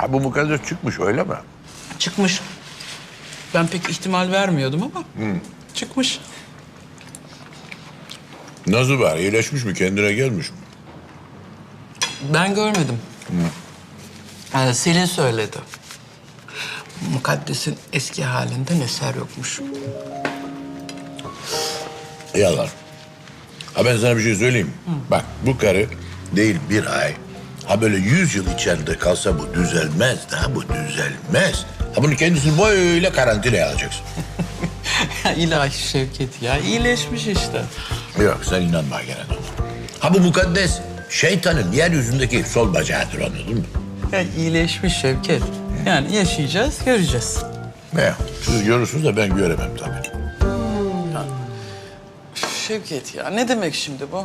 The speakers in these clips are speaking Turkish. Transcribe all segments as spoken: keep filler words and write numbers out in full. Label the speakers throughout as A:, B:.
A: Ha bu mukaddes çıkmış öyle mi?
B: Çıkmış. Ben pek ihtimal vermiyordum ama çıkmış.
A: Nasıl var? İyileşmiş mi? Kendine gelmiş mi?
B: Ben görmedim. Ee, Selin söyledi. Mukaddes'in eski halinden eser yokmuş.
A: Yalan. Ha ben sana bir şey söyleyeyim mi? Bak bu karı değil bir ay. Ha böyle yüz yıl içeride kalsa bu düzelmez. Daha bu düzelmez. Ha bunu kendisini böyle karantinaya alacaksın.
B: Ya ilahi Şevket ya, iyileşmiş işte.
A: Yok sen inanma gene de. Ha bu mukaddes şeytanın yeryüzündeki sol bacağıdır anladın mı?
B: Ya iyileşmiş Şevket. Yani yaşayacağız, göreceğiz.
A: Ne? Siz görürsünüz de ben göremem tabii.
B: Şevket ya, ne demek şimdi bu?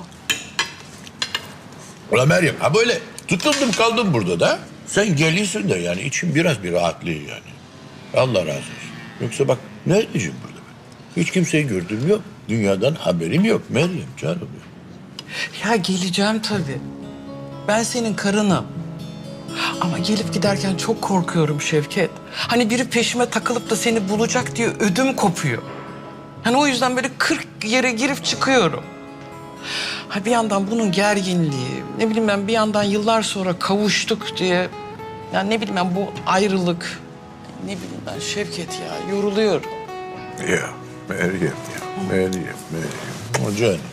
A: Ulan Meryem ha böyle tutundum kaldım burada da. Sen geliyorsun da yani içim biraz bir rahatlıyor yani. Allah razı olsun. Yoksa bak ne edeceğim burada ben? Hiç kimseyi gördüğüm yok. Dünyadan haberim yok Meryem canım.
B: Ya geleceğim tabii. Ben senin karınım. Ama gelip giderken çok korkuyorum Şevket. Hani biri peşime takılıp da seni bulacak diye ödüm kopuyor. Hani o yüzden böyle kırk yere girip çıkıyorum. Ha bir yandan bunun gerginliği, ne bileyim ben bir yandan yıllar sonra kavuştuk diye... Yani ne bileyim ben bu ayrılık, ne bileyim ben Şevket ya yoruluyorum.
A: Ya Meryem ya Meryem Meryem. O canım.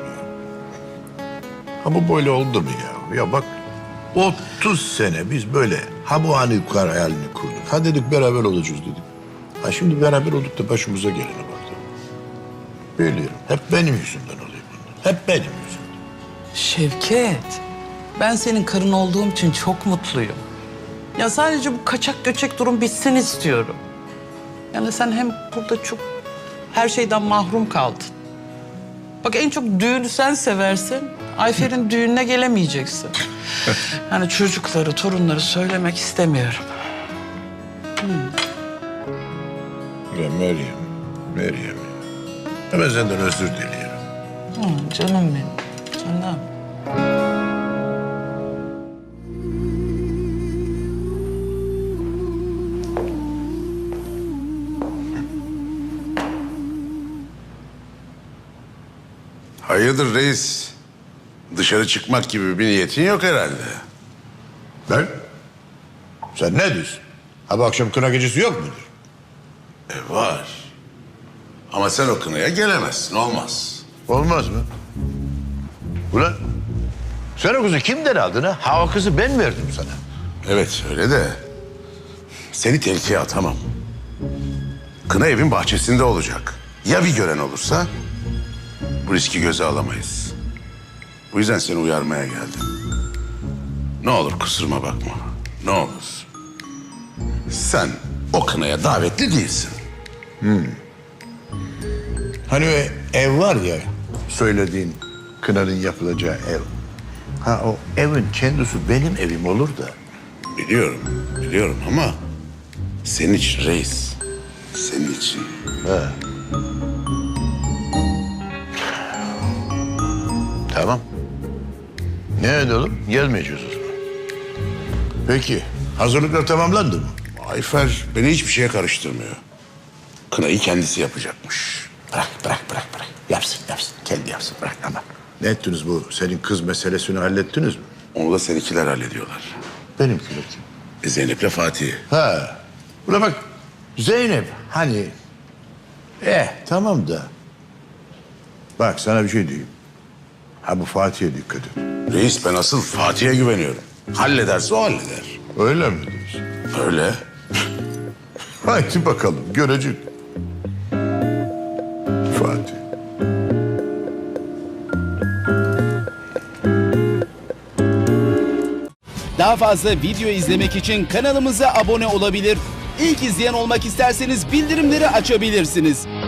A: Ha bu böyle oldu mu ya? Ya bak otuz sene biz böyle ha bu anı yukarı hayalini kurduk. Ha dedik beraber olacağız dedik. Ha şimdi beraber olduk da başımıza gelene bak. Biliyorum. Hep benim yüzümden oluyor bunlar. Hep benim yüzümden.
B: Şevket, ben senin karın olduğum için çok mutluyum. Ya sadece bu kaçak göçek durum bitsin istiyorum. Yani sen hem burada çok her şeyden mahrum kaldın. Bak en çok düğünü sen seversin. Ayfer'in düğününe gelemeyeceksin. Yani çocukları, torunları söylemek istemiyorum.
A: Ya Meryem, Meryem ya. Hemen senden özür diliyorum.
B: Hı, canım benim, canım.
C: Hayırdır reis? Dışarı çıkmak gibi bir niyetin yok herhalde.
A: Ben? Sen ne diyorsun? Ha bu akşam kına gecesi yok mudur?
C: E var. Ama sen o kınaya gelemezsin, olmaz.
A: Olmaz mı? Ulan sen o kızı kimden aldın ha? Ha o kızı ben verdim sana.
C: Evet öyle de seni tehlikeye atamam. Kına evin bahçesinde olacak. Ya bir gören olursa bu riski göze alamayız. Bu yüzden seni uyarmaya geldim. Ne olur kusuruma bakma. Ne olur. Sen o kınaya davetli değilsin.
A: Hani o ev var ya söylediğin kınanın yapılacağı ev. Ha o evin kendisi benim evim olur da.
C: Biliyorum, biliyorum ama senin için reis. Senin için.
A: He. Tamam. Ne edelim? Gelmeyeceğiz o zaman. Peki hazırlıklar tamamlandı mı?
C: Ayfer beni hiçbir şeye karıştırmıyor. Kınayı kendisi yapacakmış.
A: Bırak, bırak, bırak, bırak. Yapsın, yapsın. Kendi yapsın, bırak ama. Ne ettiniz bu? Senin kız meselesini hallettiniz mi?
C: Onu da seninkiler hallediyorlar.
A: Benimkiler kim?
C: E, Zeynep'le Fatih.
A: Ha. Buna bak. Zeynep hani... Eh tamam da. Bak sana bir şey diyeyim. Ha bu Fatih'e dikkat et.
C: Reis ben asıl Fatih'e güveniyorum. Hallederse o halleder.
A: Öyle mi diyorsun?
C: Öyle.
A: Haydi bakalım görecek. Fatih.
D: Daha fazla video izlemek için kanalımıza abone olabilir. İlk izleyen olmak isterseniz bildirimleri açabilirsiniz.